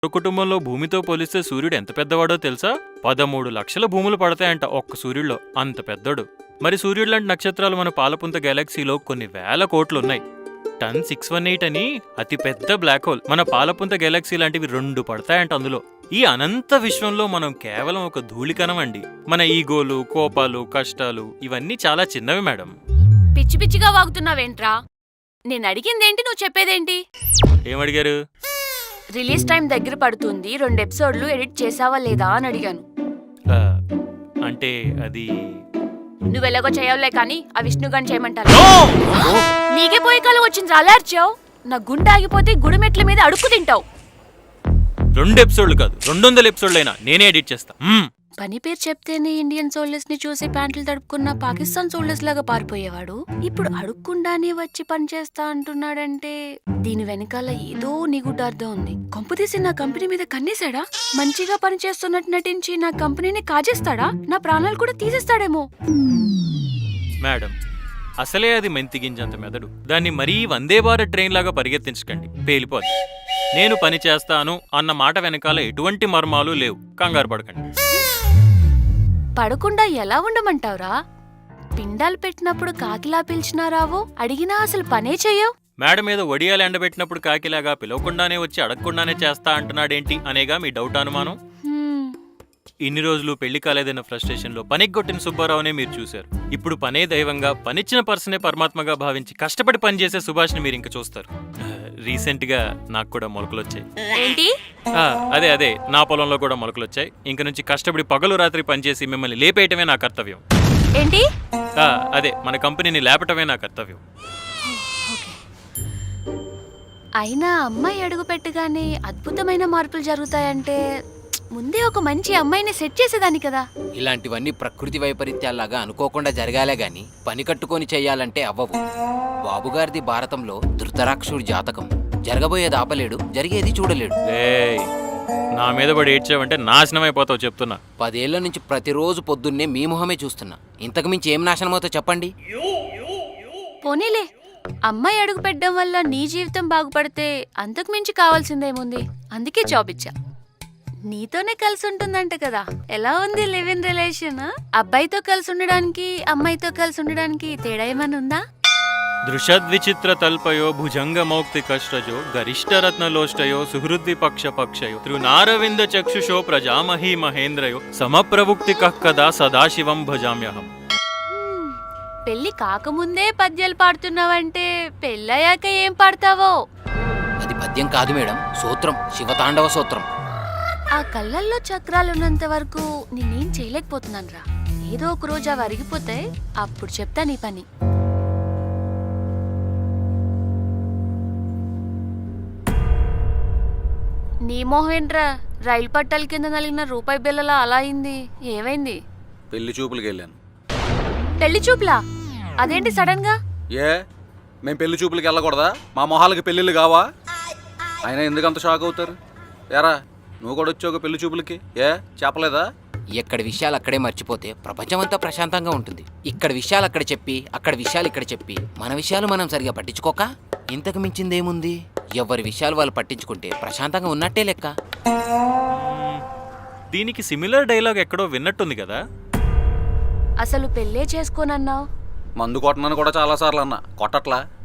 కుటుంబంలో భూమితో పోలిస్తే సూర్యుడు ఎంత పెద్దవాడో తెలుసా? 13 లక్షల భూములు పడతాయంట ఒక్క సూర్యుడిలో, అంత పెద్దోడు. మరి సూర్యుడు లాంటి నక్షత్రాలు మన పాలపుంత గెలాక్సీలో కొన్ని వేల కోట్లున్నాయి. టన్ 618 అని అతి పెద్ద బ్లాక్ హోల్ మన పాలపుంత గెలాక్సీ లాంటివి 2 పడతాయంట అందులో. ఈ అనంత విశ్వంలో మనం కేవలం ఒక ధూళికణం అండి. మన ఈగోలు, కోపాలు, కష్టాలు ఇవన్నీ చాలా చిన్నవి మేడం. పిచ్చి పిచ్చిగా వాగుతున్నావేంట్రా? నేను అడిగిందేంటి, నువ్వు చెప్పేదేంటి? ఏమడిగారు? రిలీజ్ టైం దగ్గర పడుతుంది, 2 ఎపిసోడ్లు ఎడిట్ చేసావా లేదా అని అడిగాను. అంటే అది నువ్వెలాగో చేయవులే కానీ ఆ విష్ణుగాని చేయమంటారు. నీకే పోయే కాలం వచ్చింది, అలర్చావు. నా గుండె ఆగిపోతే గుడిమెట్ల మీద అడుక్కు తింటావు. 2 ఎపిసోడ్లు కాదు, 200 ఎపిసోడ్లైనా నేనే ఎడిట్ చేస్తా. పని పేరు చెప్తేనే ఇండియన్ సోల్జర్స్ ని చూసి ప్యాంట్లు తడుపుకున్న పాకిస్తాన్ సోల్జర్స్ లాగా పారిపోయేవాడు ఇప్పుడు అడుక్కుండానే వచ్చి పని చేస్తా అంటున్నాడంటే దీని వెనకాల ఏదో నిగుడ్డార్థం ఉంది. కొంపదీసి నా కంపెనీ మీద కన్నేశాడా? మంచిగా పని చేస్తున్నట్టు నటించి నా కంపెనీని కాజేస్తాడా? నా ప్రాణాలు కూడా తీసేస్తాడేమో. మేడం, అసలే అది మెంతిగింజంత మెదడు. దాన్ని మరీ వందే భారత్ ట్రైన్ లాగా పరిగెత్తించకండి, పేలిపోద్ది. నేను పని చేస్తాను అన్న మాట వెనకాల ఎటువంటి మర్మాలు లేవు, కంగారు పడకండి. పడకుండా ఎలా ఉండమంటావురా? పిండాలు పెట్టినప్పుడు కాకిలా పిలిచినా రావు, అడిగినా అసలు పనే చెయ్యవు. మేడం మీద వడియాలు ఎండబెట్టినప్పుడు కాకిలాగా పిలవకుండానే వచ్చి అడగకుండానే చేస్తా అంటున్నాడేంటి అనేగా మీ డౌట్, అనుమానం? ఇన్ని రోజులు పెళ్లి కాలేదన్న ఫ్రస్ట్రేషన్ లో పనిగొట్టిన సుబ్బారావునే మీరు చూశారు. ఇప్పుడు పనే దైవంగా, పనిచ్చిన పర్సనే పరమాత్మగా భావించి కష్టపడి పనిచేసే సుభాష్ని మీరు ఇంకా చూస్తారు. రీసెంట్ గా నాకు కూడా మొలకలొచ్చాయి. అదే నా పొలంలో కూడా మొలకలొచ్చాయి. ఇంక నుంచి కష్టపడి పగలు రాత్రి పనిచేసి మిమ్మల్ని లేపేయటమే నా కర్తవ్యం. ఏంటి? అదే మన కంపెనీని లేపటమే నా కర్తవ్యం. అయినా అమ్మాయి అడుగు పెట్టగానే అద్భుతమైన మార్పులు జరుగుతాయంటే ముందే ఒక మంచి అమ్మాయిని సెట్ చేసేదాన్ని కదా. ఇలాంటివన్నీ ప్రకృతి వైపరీత్యాల్లాగా అనుకోకుండా జరగాలే గాని పని కట్టుకొని చెయ్యాలంటే అవ్వవు. బాబుగారిది భారతంలో ధృతరాక్షుడి జాతకం. జరగబోయేది ఆపలేడు, జరిగేది చూడలేడు. నా మీద పడి ఏడ్చావంటే నాశనం అయిపోతావు చెప్తున్నా. 10 ఏళ్ల నుంచి ప్రతిరోజు పొద్దున్నే మీ మొహమే చూస్తున్నా. ఇంతకు మించి ఏం నాశనమవుతో చెప్పండి. పోనీలే, అమ్మాయి అడుగు పెట్టడం వల్ల నీ జీవితం బాగుపడితే అంతకు మించి కావాల్సిందేముంది. అందుకే జాబ్ ఇచ్చా. నీతోనే కలిసి ఉంటుందంట కదా. ఎలా ఉంది లివ్ ఇన్ రిలేషన్? అబ్బాయితో కలిసి ఉండడానికి అమ్మాయితో కలిసి ఉండడానికి తేడా ఏమైనా ఉందా? దృశద్విచిత్ర తల్పయో భుజంగ మౌక్తి కష్టజో గరిష్టరత్నలోష్టయో సుహృద్విపక్ష పక్షయో తృనారవింద చక్షుషో ప్రజామహీ మహేంద్రయో సమప్రవుక్తి కక్కదా సదాశివం భజామ్యహం. పెళ్లి కాకముందే పద్యాలు పాడుతున్నావంటే పెళ్ళయ్యాక ఏం పాడతావో? అది పద్యం కాదు మేడం, సూత్రం, శివతాండవ సూత్రం. ఆ కళ్ళల్లో చక్రాలున్నంత వరకు నేనేం చేయలేకపోతున్నాను రా. ఏదో ఒక రోజు అవి అరిగిపోతే అప్పుడు చెప్తా నీ పని. నీ మోహేంట్రా, రైలు పట్టాల కింద నలిగిన రూపాయి బిల్లలా అలా అయింది. ఏమైంది? పెళ్లి చూపులకి వెళ్ళాను. పెళ్లి చూపులా? అదేంటి సడన్ గా? మేము పెళ్లి చూపులకి వెళ్ళకూడదా? మా మొహాలకి పెళ్లిళ్ళు కావా? అయినా ఎందుకంత షాక్ అవుతారు? ఏరా, నువ్వు కూడా వచ్చావు పెళ్లి చూపులకి, చెప్పలేదా? ఎక్కడి విషయాలు అక్కడే మర్చిపోతే ప్రపంచమంతా ప్రశాంతంగా ఉంటుంది. ఇక్కడ విషయాలు అక్కడ చెప్పి, అక్కడ విషయాలు ఇక్కడ చెప్పి, మన విషయాలు మనం సరిగా పట్టించుకోక ఇంతకు మించిందేముంది? ఎవరి విషయాలు వాళ్ళు పట్టించుకుంటే ప్రశాంతంగా ఉన్నట్టే లెక్క. దీనికి సిమిలర్ డైలాగ్ ఎక్కడో విన్నట్టుంది కదా. అసలు పెళ్ళే చేసుకోనన్నావు. మందు కొట్టనని కూడా చాలా సార్లు అన్నా, కొట్టట్లా.